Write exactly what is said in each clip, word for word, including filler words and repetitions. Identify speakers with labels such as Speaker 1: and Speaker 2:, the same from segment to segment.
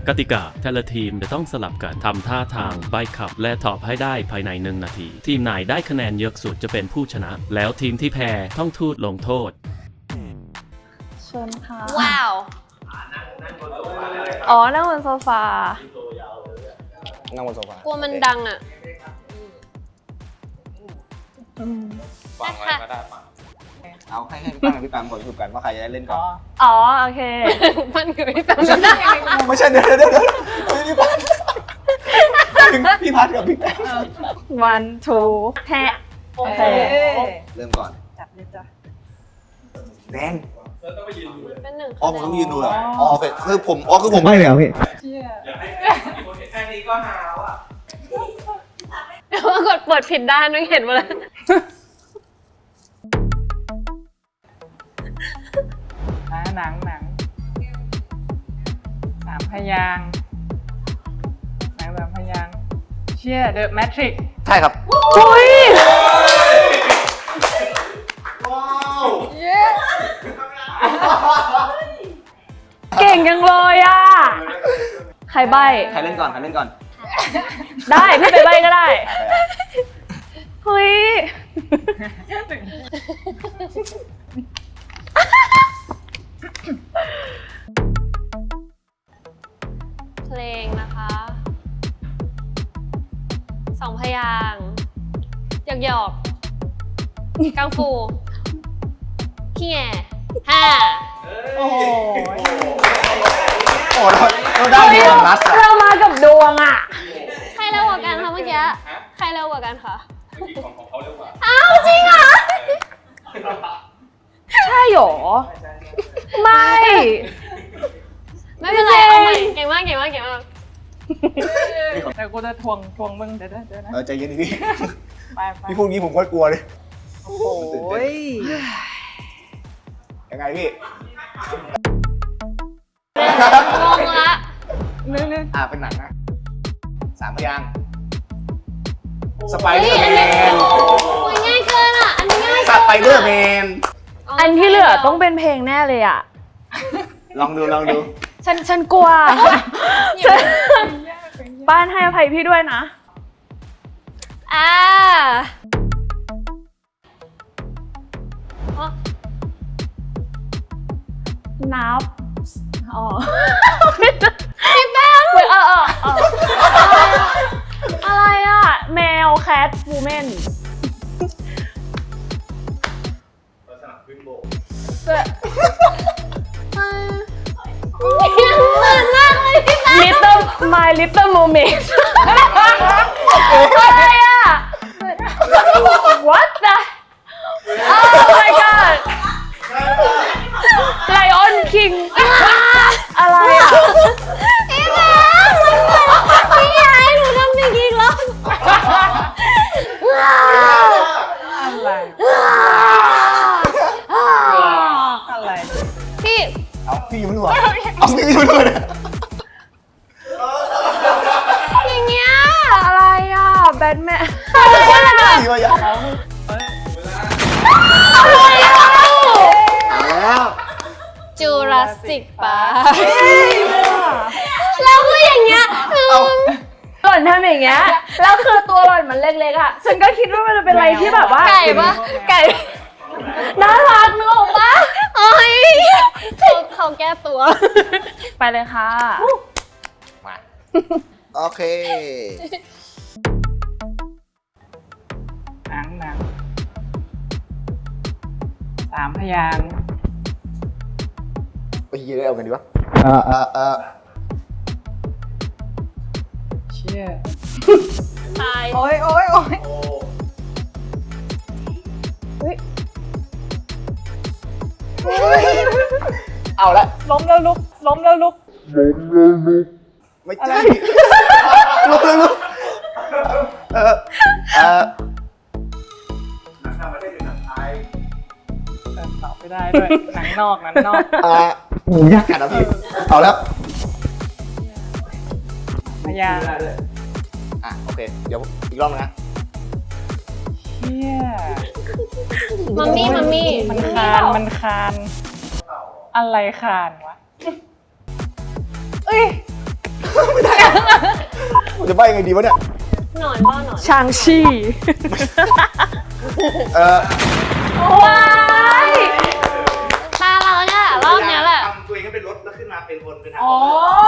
Speaker 1: กติกาแต่ละทีมจะต้องสลับกันทำท่าทางใบ้คำและตอบให้ได้ภายในหนึ่งนาทีทีมไหนได้คะแนนเยอะสุดจะเป็นผู้ชนะแล้วทีมที่แพ้ต้องทูตลงโทษ
Speaker 2: เชิญค่ะ
Speaker 3: ว้าว
Speaker 2: อ๋อนั่งบนโซฟา
Speaker 4: นั่งบนโซฟาก
Speaker 3: ลัวมันดังอ่ะ
Speaker 4: ฟังไว้ก็ได้ฟังเอาให้ให้พี่ปังกับพี่ปังก่อนสรุปกันว่าใครจะได้เล่นก่อน
Speaker 2: อ๋อโอเค
Speaker 3: มันคือพี่แปมไม่ได้
Speaker 4: ไม่ใช่เดี๋ยวเดี๋ยวเดี๋ยวพี่ปังถึงพี่พัดกับพี่แปม
Speaker 2: one two แพ้โอเค
Speaker 4: เริ่มก่อน
Speaker 2: จับเลยจ้ะ
Speaker 4: แดง
Speaker 3: เป็นหนึ่ง
Speaker 4: อ๋อผมต้องยืนดูเหรออ๋อโอเคคือผมอ๋อคือผมไม่เลยเหรอพี่
Speaker 3: แค่นี้ก็หาวอ่ะกดเปิดผิดด้านไม่เห็นมาเลย
Speaker 5: หนังหนังสามพยางหนังสามพยางเชี่ย The Matrix
Speaker 4: ใช่ครับ
Speaker 2: อุ้ย
Speaker 4: ว้าว
Speaker 2: เก่งจังเลยอ่ะใครใบ
Speaker 4: ใครเล่นก่อนใครเล่นก่อน
Speaker 2: ได้พี่ไปใบก็ได้เฮ้ย
Speaker 3: เพลงนะคะสองพยางหยอกหยอกกังฟูขี้แง่ห้า
Speaker 5: โอ้โห
Speaker 4: โอ้เราเราได้ดีของรัสอะ
Speaker 2: เรามากับดวงอ่ะ
Speaker 3: ใครเร็วกว่ากันคะเมื่อกี้ใครเร็วกว่ากันคะ
Speaker 4: เมื่อกี้ของของเขาเร็วกว่า
Speaker 3: อ้าวจริงเหรอ
Speaker 2: ใช่หรอไม่
Speaker 3: ไม่เป็นไรเอาใหม่เก่งมากเก่งมากเก่งมาก
Speaker 5: แต่กูจะทวงทวงมึงเดี๋ยวเดี๋ยวนะ
Speaker 4: เออใจเย็นดิพี่
Speaker 5: ไปไป
Speaker 4: พี่พูดงี้ผมก็กลัวเลย
Speaker 5: โอ้ย
Speaker 4: ยังไงพี่
Speaker 3: งงละ
Speaker 5: นึกนึก
Speaker 4: อ่าเป็นหนังนะสามพยางสไปเดอร์แมน
Speaker 3: ง่ายเกินอ่ะอันนี้ง่าย
Speaker 4: สไปเดอร์แมน
Speaker 2: อันที่เหลือต้องเป็นเพลงแน่เลยอ่ะ
Speaker 4: ลองดูลองดู
Speaker 2: ฉันฉันกลัวบ้านให้อภัยพี่ด้วยนะ
Speaker 3: อ่า
Speaker 2: นับอ๋อ
Speaker 3: พี่แป้ง
Speaker 2: เออเออเอออะไรอ่ะแมวแคทวูแมน
Speaker 4: ลักษณะขึ้นโบ
Speaker 3: เหมือนมากเลยพี่แป้ง
Speaker 2: Little My Little Mermaid อะไรอ่ะ What the Oh my god Lion King อะไรอ่ะ
Speaker 3: พี่แป้งพี่ยายหนูทำอย่างนี้แล้ว
Speaker 5: อะไรอะไร
Speaker 3: พี่
Speaker 4: เอาพี่ยิ้มด้วยเอาพี่ยิ้มด้วยนะ
Speaker 3: อย่างเงี้ย
Speaker 2: อะไรอ่ะแบทแมน
Speaker 4: อะไรอ่ะพี่วะยะ
Speaker 3: อะไรอ่ะ
Speaker 4: แล้ว
Speaker 3: จูราสสิกปาร์คแล้วคืออย่างเงี้ยคือ
Speaker 2: หล่อนทำอย่างเงี้ยแล้วคือตัวหล่อนมันเล็กๆอ่ะฉันก็คิดว่ามันจะเป็นอะไรที่แบบว่า
Speaker 3: ไก่ปะไก่
Speaker 2: น่ารักนึกออกปะ
Speaker 3: โอ้ยเขาเขาแก้ตัว
Speaker 2: ไปเลยค่ะ
Speaker 4: มาโอเค
Speaker 5: หนังหนังสามพยาง
Speaker 4: ไปยืนเอากันดีวะเออเออเออ
Speaker 5: เชี่ย
Speaker 3: ตาย
Speaker 5: โอ้ยโอ้ยโอ้ย
Speaker 4: เอาละ
Speaker 5: ล้มแล้วลุกล้มแล้วลุก
Speaker 4: ล้มแล้วลุกไม่ใช่ลุกเลยลุกเออเออหนังต่างประเทศหรือหนังไทย
Speaker 5: ตอบไม่ได้ด้วยหนังนอกหนังนอก
Speaker 4: อ่าโหยากจัดนะพี่เอาแล้ว
Speaker 5: พยาง
Speaker 4: อ่ะโอเคเดี๋ยวอีกรอบนึงนะ
Speaker 5: เชี่ย
Speaker 3: มัมมี่มัมมี่
Speaker 5: มันคานมันคานอะไรคานวะเอ้ย
Speaker 4: ไม่ได้ผมจะใบยังไงดีวะเนี่ย
Speaker 3: หนอนบ้าหนอน
Speaker 2: ชางชี
Speaker 4: เออ
Speaker 2: ว้าย
Speaker 3: ตาเราเนี่ยรอบเนี้ยแหละ
Speaker 6: ทำตัวเองให้เป็นรถแล้วขึ้นมาเป็นคนเป็นทาง
Speaker 5: อ๋อ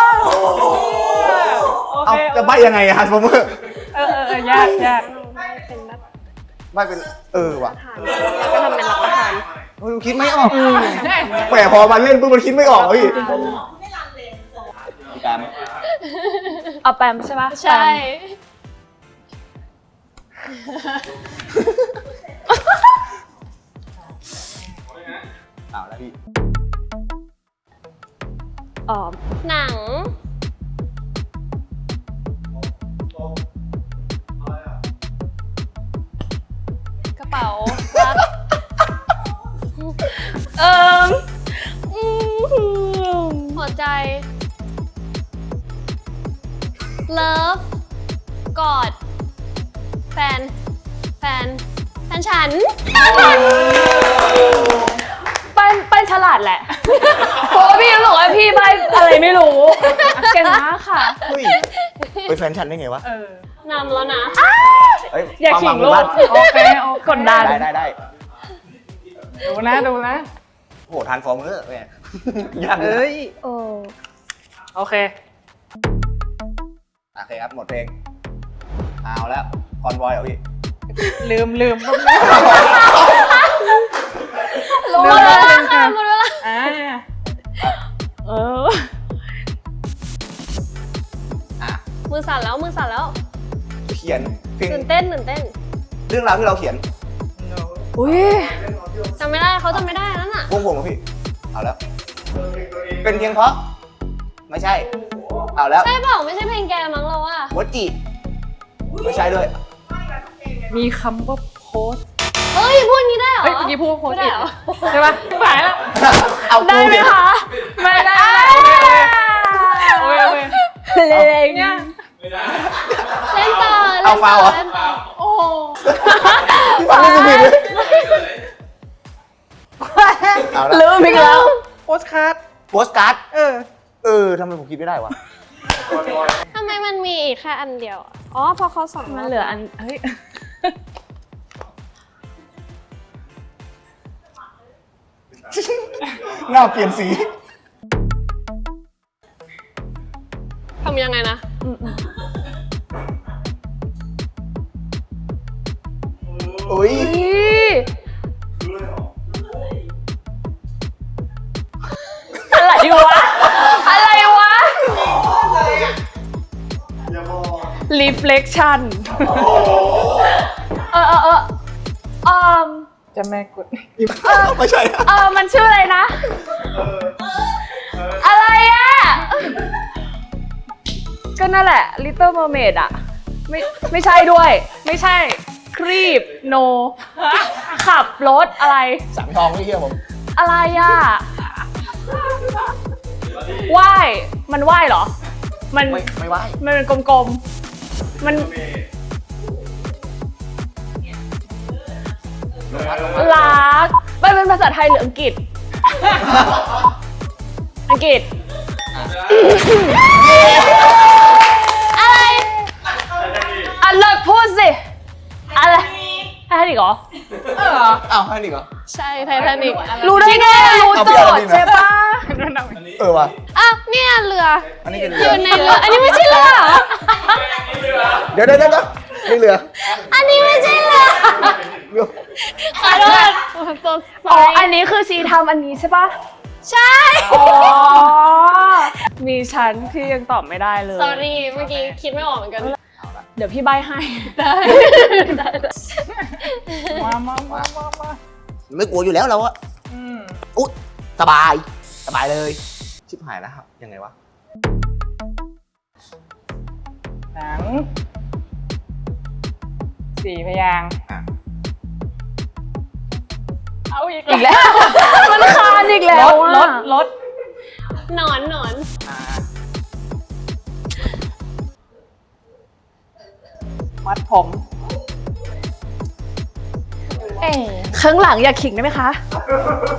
Speaker 5: โอ
Speaker 4: เอา
Speaker 5: เค
Speaker 4: จะใบยังไงอะฮันผมเมอร์
Speaker 5: เออเออเออยากยาก
Speaker 4: ใบเป็นเออว่ะ
Speaker 3: ก็ทำเป็นรับประทาน
Speaker 4: มันคิดไม่ออกแหมพอมาเล่นปุ๊บมันคิดไม่ออกอะพี่พี่การ
Speaker 2: เอาแปมใช่ปะ
Speaker 3: ใช่
Speaker 4: อ้าวแล้วพี่
Speaker 2: อ๋อ
Speaker 3: หนัง กระเป๋ารัก
Speaker 2: เอิม
Speaker 3: หัวใจ เลิฟ กอด แฟน แฟน แฟนฉัน
Speaker 2: ปั้นปั้นฉลาดแหละ เพราะว่าพี่รู้สึกว่าพี่ใบอะไรไม่รู้ เก่งมากค่ะ
Speaker 4: เฮ้ยเป็นแฟนฉันได้ไงวะ
Speaker 5: เออน
Speaker 3: ำแล้วนะ
Speaker 4: เอ้ย
Speaker 2: อย่าขิงลูก
Speaker 4: บ้าน
Speaker 5: โอเคโอเค
Speaker 2: กดดัน
Speaker 4: ได้ได้ได้
Speaker 5: ดูนะดูนะ
Speaker 4: โอ้โหทานฟอร์มเมอร์แม่ยากเล
Speaker 5: เอ้
Speaker 4: ย
Speaker 5: ย
Speaker 2: โอ้
Speaker 5: โอเค
Speaker 4: โอเคครับหมดเพลงเอาแล้วคอนบอยเหรอพี่
Speaker 5: ลืมลืม
Speaker 2: รู้
Speaker 5: ลืม
Speaker 2: แล้ว
Speaker 5: ลืม
Speaker 3: ค่ะหมดเวลา
Speaker 5: อ่า
Speaker 2: เออ
Speaker 4: อ่ะ
Speaker 3: มือสั่นแล้ว มือสั่นแล้ว
Speaker 4: เขียนเพลง
Speaker 3: ตื่นเต้นตื่นเต้น
Speaker 4: เรื่องราวที่เราเขียน
Speaker 2: อุ้ย
Speaker 3: จำไม่ได้เขาจำไม่ได้นั่นน่ะ
Speaker 4: วงผมเหรอพี่เอาแล้ว เป็นเพียงเพราะไม่ใช่เอาแล้ว
Speaker 3: ใช่เปล่าไม่ใช่เพลงแกมั้งเราอะ
Speaker 4: วจิไม่ใช่ด้วย
Speaker 5: มีคำว่าโพสต์
Speaker 3: เฮ้ย พูดงี้ได้เหรอ
Speaker 5: เฮ้ยเมื่อกี้พูดว่าโพสต์
Speaker 3: ไม่ได้เหรอ
Speaker 5: ใช่ปะหายแล้ว
Speaker 4: เอา
Speaker 2: ได้
Speaker 4: กู
Speaker 2: ไหม
Speaker 4: เนี่ย
Speaker 2: คะ
Speaker 5: ไม่ได้โอเคโอเค
Speaker 2: เล็ง
Speaker 5: เนี่ย
Speaker 3: เล่นต่อ
Speaker 4: เอาฟาวเหรอ
Speaker 3: เล่นต่อ
Speaker 5: โอ้
Speaker 4: พี่ฟังไม่สุผิดเลยเอาละ
Speaker 2: ลืมอีกแล้ว
Speaker 5: โพสต์คัท
Speaker 4: โปสการ์ด
Speaker 5: เออ
Speaker 4: เออทำไมผมคิดไม่ได้วะ
Speaker 3: ทำไมมันมีอีกแค่อันเดียวอะอ๋อเพอเขาสอง
Speaker 2: มันเหลืออัน เฮ้ย
Speaker 4: หน้าเปลี่ยนสี
Speaker 3: ทำยังไงนะ
Speaker 4: อุ้ย
Speaker 2: อะไรวะ อะไรวะ reflection เออเออเออเออ
Speaker 5: จะแม่กด
Speaker 4: ไม่ใช่อะ
Speaker 2: เออมันชื่ออะไรนะ อะไรอ่ะ ก็นั่นแหละ Little Mermaid อ่ะ ไม่ไม่ใช่ด้วย ไม่ใช่ ครีบ โน ขับรถอะไร
Speaker 4: สังทองพี่เชื่อผม
Speaker 2: อะไรอ่ะว่ายมันว่ายเหรอ มัน
Speaker 4: ไม่ไม่ไหว
Speaker 2: มันเป็นกลมๆ มัน
Speaker 4: ลงพัดลงพัด
Speaker 2: รักมันเป็นภาษาไทยหรืออังกฤษ อังกฤษ อะไรอ่ะเลิกพูดสิ อะไรไททานิกเหรอ
Speaker 5: เออ
Speaker 4: อ้าวให้ดิเหรอ
Speaker 3: ใช่ไททานิก
Speaker 2: รู้ได้ไงรู้โจทย์ใช่ปะ
Speaker 4: เออว่ะ
Speaker 3: อ่ะเนี่ยเรือ
Speaker 4: อันนี้เป็น
Speaker 3: อ
Speaker 4: เรือยู่
Speaker 3: ในเรืออันนี้ไม่ใช่เรือเหรอ
Speaker 4: เดี๋ยวเดี๋ยวเดี๋ยวนี่เรือ
Speaker 3: อันนี้ไม่ใช่เรือ
Speaker 4: เรือ
Speaker 3: ขอโทษสดใส
Speaker 2: อ๋อ อันนี้คือชีทำอันนี้ใช่ปะ
Speaker 3: ใช่
Speaker 2: อ๋อ มีฉันที่ยังตอบไม่ได้เลย
Speaker 3: sorry เมื่อกี้คิดไม่ออกเหมือนกัน
Speaker 2: เดี๋ยวพี่ใบให้
Speaker 3: ได้
Speaker 5: มามามามามา
Speaker 4: ไม่กลัวอยู่แล้วเราอะ
Speaker 5: อืม
Speaker 4: อุ๊ยสบาย สบายเลย ชิบหายแล้วครับ ยังไงวะ
Speaker 5: หนังสี่พยางค์
Speaker 4: อ่ะ
Speaker 5: เอาอีก
Speaker 2: อีกแล้ว มันคานอีกแล้
Speaker 5: ร
Speaker 2: ว
Speaker 5: ถ
Speaker 2: อะ
Speaker 5: รถรถ
Speaker 3: หนอนหนอน
Speaker 4: อ่า
Speaker 5: มัดผม
Speaker 2: เอ๊ะข้างหลังอยากขิงได้ไหมคะ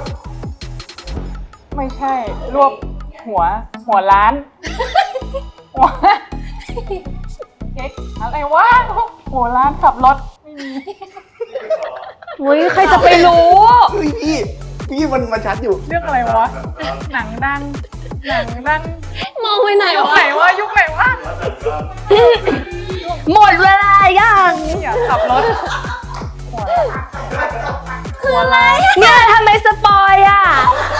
Speaker 5: ไม่ใช่ รวบหัว หัวล้านว้าเก๊กอะไรวะหัวร้านขับรถไม่มี
Speaker 2: อุ้ยใครจะไปรู้
Speaker 4: เฮ้ยพี่พี่มันมันชัดอยู่
Speaker 5: เรื่องอะไรวะ หนังดัง หนังดัง
Speaker 3: มองไปไหน
Speaker 5: ยุคว
Speaker 3: ะ
Speaker 5: ไหนวะยุคไหนวะ
Speaker 2: หมดเวลายัง
Speaker 5: นี่อย่าขับรถ
Speaker 2: คืออะไรเนี่ยทำไมสปอยอ่ะ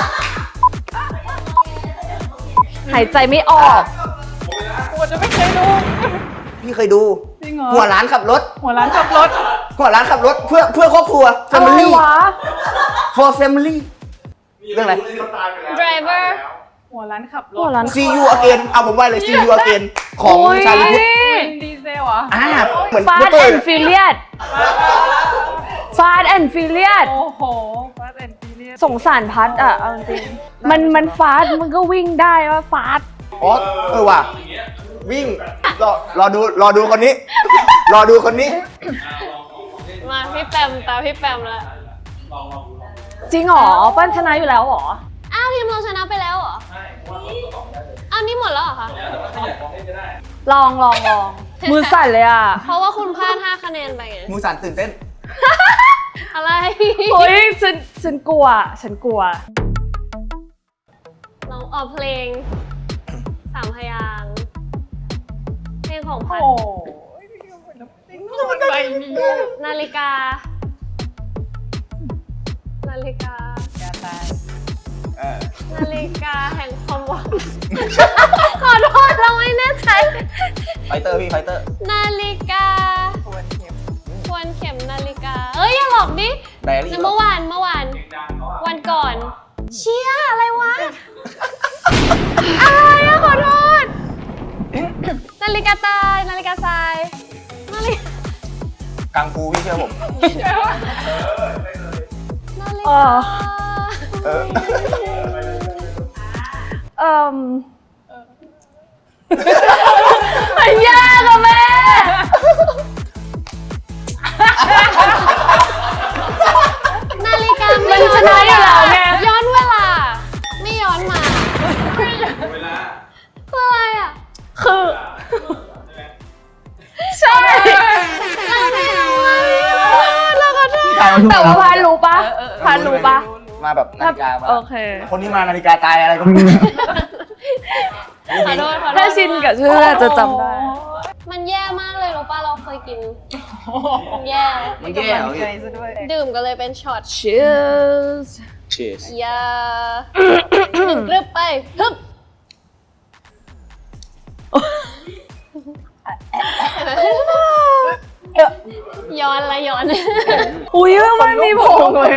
Speaker 2: หายใจไม่ออก
Speaker 5: กูจะไม่เคยดู
Speaker 4: พี่เคยดู
Speaker 5: จริงเหรอ
Speaker 4: หัวร้านขับรถ
Speaker 5: หัวร้านขับรถ
Speaker 4: หัวร้านขับรถเพื่อเพื่อครอบครัว
Speaker 2: อะไร
Speaker 4: family
Speaker 2: วะ
Speaker 4: for family เรื่องอะไร
Speaker 3: driver
Speaker 5: หัวร้านขับร
Speaker 2: หัว
Speaker 5: ถ
Speaker 2: ร้าน
Speaker 4: see you again เอาผมว่าเลย see you again ของชาลีพุทธ
Speaker 5: วินดีเซลเหรอ
Speaker 4: อ่าเหมือน
Speaker 2: ฟา
Speaker 4: พุ
Speaker 2: ด
Speaker 4: ทธเล
Speaker 2: แอย นฟิเลียดฟาดแอนฟิเลียด
Speaker 5: โอ้โหฟาสแอนด์ฟิเลียส
Speaker 2: สงสารพัดอ่ะเอาจริงๆมันมันฟาดมันก็วิ่งได้ว่าฟาด
Speaker 4: อ๋อเออว่ะวิ่งรอรอดูรอดูคนนี้ รอดูคนนี้
Speaker 3: มาพี่แปมตาพี่แปมแล้ว
Speaker 2: จริงเหรอปั้นชนะอยู่แล้วเหรอ
Speaker 3: อ้าวทีมเราชนะไปแล้วเหรออ้าวนี่หมดแล้วเหรอคะ
Speaker 2: ลองลองลองมือสั่นเลยอ่ะ
Speaker 3: เพราะว่าคุณพลาดห้าคะแนนไปไง
Speaker 4: มูสันตื่นเต้น
Speaker 3: อะไร
Speaker 2: โอ้ยฉันฉันกลัว ฉันกลัว
Speaker 3: เราออกเพลงสามพยางค์เพลงของพั
Speaker 5: โอ้
Speaker 3: ด
Speaker 5: ยมันใบนี้
Speaker 3: นาฬิกา นาฬิกา
Speaker 5: อย่าตาย
Speaker 3: นาฬิกาแห่งความหวัง ขอโทษเราไม่แน่ใจ
Speaker 4: ไฟเตอร์พี่ไฟเตอร์
Speaker 3: นาฬิกา
Speaker 5: ควรเข็ม
Speaker 3: ควรเข็มนาฬิกา เอ้ยอย่าหลอกดิ
Speaker 4: ไดอารี่
Speaker 3: เมื่อวานเมื่อวาน วันก่อน เชี่ยอะไรวะ อะไรอะขอโทษ นาฬิกาตายนาฬิกาทรายนาฬิกา
Speaker 4: กังฟูพี่เชื่อผม
Speaker 3: นาฬิ
Speaker 2: เอก
Speaker 3: า
Speaker 2: อ
Speaker 4: เออ
Speaker 2: เอ่มมันยากอะแม่
Speaker 3: นาฬิกา
Speaker 2: มันชนะอยู่แล้วไง
Speaker 3: ย้อนเวลา ไม่ย้อนมาคืออะไรอ่ะ
Speaker 2: คือ ใช่
Speaker 3: เราไม่รู้อะเราขอโทษ
Speaker 4: พี่ทายมาทุก
Speaker 2: แต่
Speaker 4: คน
Speaker 2: ว่า
Speaker 4: แล้ว
Speaker 2: พานรู้ปะพานรู้ปะ
Speaker 4: มาแบบนาฬิกามา
Speaker 2: โอเค
Speaker 4: คนนี้มานาฬิกาตายอะไรก็ไม่รู้
Speaker 3: ขอโทษขอโทษ
Speaker 2: ถ้าชินกับชื่อจะจำได้
Speaker 3: มันแย่มากเลยรู้ป่ะเราเคยกินมันแย่
Speaker 4: มันแย่เหรอ
Speaker 5: ใจ
Speaker 4: พี่
Speaker 5: ซะด้วย
Speaker 3: ดื่มกันเลยเป็นช็อต
Speaker 2: Cheers
Speaker 4: Cheers
Speaker 3: อยาหนึ่งกรึบไปฮึบย้อนละย้อน
Speaker 2: อุ้ยมันมีผงเลย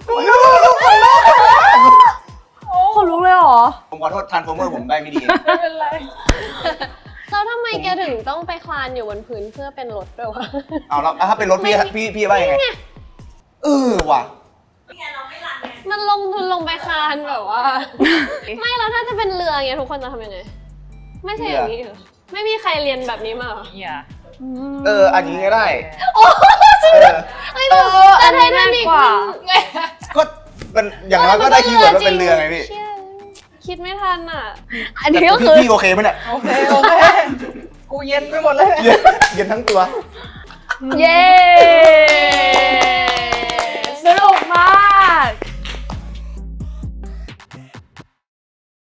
Speaker 2: คนลุกเลยเหรอ
Speaker 4: ผมขอโทษทันโฟเมอร์ผมได้ไม่ดี
Speaker 5: ไม่เป็นไร
Speaker 3: แล้วทำไมแกถึงต้องไปคลานอยู่บนพื้นเพื่อเป็นรถด้วยวะ
Speaker 4: เอาแล้วถ้าเป็นรถพี่พี่พี่ว่ายังไงเออว่ะ
Speaker 3: มันลงทุนลงไปคลานแบบว่า ไม่แล้วถ้าจะเป็นเรือเงี้ยทุกคนจะทำยังไง ไม่ใช่อย่างนี้เหรอไม่มีใครเรียนแบบนี้มาเหรอ
Speaker 5: อย่า
Speaker 4: เอออันนี้ก็ได้
Speaker 3: โอ้จริง
Speaker 4: เอ
Speaker 3: เหร
Speaker 4: อ
Speaker 3: อไอ้แต่
Speaker 2: อั
Speaker 3: แต่
Speaker 2: น
Speaker 3: ไท
Speaker 2: นี้
Speaker 3: ทานิก
Speaker 2: ง่ายกว่า
Speaker 3: มัน
Speaker 4: ก็เป็นอย่างน้อยก็ได้คีย์เวิร์ดว่าเป็นเรือไงพี่
Speaker 3: เชี่ยคิดไม่ทันอ่ะ
Speaker 2: อัน
Speaker 4: แต่
Speaker 2: นี้ก็
Speaker 4: พี่
Speaker 2: คือ
Speaker 4: พี่โอเคไหมเนี่ย
Speaker 5: โอเค โอเค กูเย็นไปหมดเลย
Speaker 4: เย็นเย็นทั้งตัว
Speaker 2: เย้